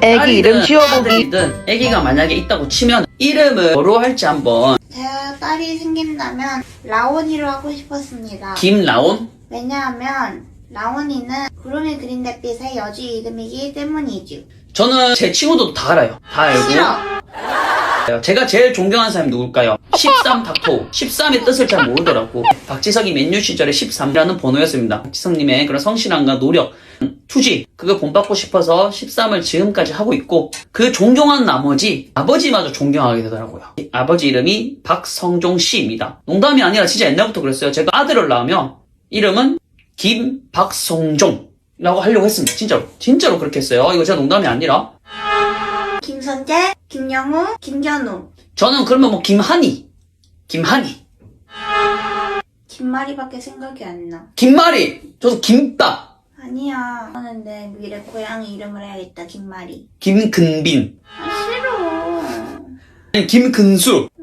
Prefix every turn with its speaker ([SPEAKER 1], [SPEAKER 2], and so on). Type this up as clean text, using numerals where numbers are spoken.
[SPEAKER 1] 애기 이름 지어보기.
[SPEAKER 2] 딸이든 애기가 만약에 있다고 치면 이름을 뭐로 할지 한번.
[SPEAKER 3] 제가 딸이 생긴다면 라온이로 하고 싶었습니다.
[SPEAKER 2] 김라온?
[SPEAKER 3] 왜냐하면 라온이는 구름이 그린 달빛의 여주 이름이기 때문이죠.
[SPEAKER 2] 저는 제 친구도 다 알아요. 다 알고.
[SPEAKER 3] 싫어.
[SPEAKER 2] 제가 제일 존경하는 사람이 누굴까요? 13 닥터. 13의 뜻을 잘 모르더라고. 박지성이 맨유 시절에 13이라는 번호였습니다. 박지성님의 그런 성실함과 노력, 투지, 그걸 본받고 싶어서 13을 지금까지 하고 있고, 그 존경한 나머지 아버지마저 존경하게 되더라고요. 아버지 이름이 박성종 씨입니다. 농담이 아니라 진짜 옛날부터 그랬어요. 제가 아들을 낳으면 이름은 김박성종이라고 하려고 했습니다. 진짜로 그렇게 했어요. 이거 제가 농담이 아니라.
[SPEAKER 3] 김선재, 김영우, 김견우.
[SPEAKER 2] 저는 그러면 뭐 김한이.
[SPEAKER 3] 김마리밖에 생각이 안 나.
[SPEAKER 2] 김말이. 저도 김밥.
[SPEAKER 3] 아니야. 나는 내 미래 고양이 이름을 해야겠다. 김마리.
[SPEAKER 2] 김근빈.
[SPEAKER 3] 아, 싫어.
[SPEAKER 2] 아니 김근수.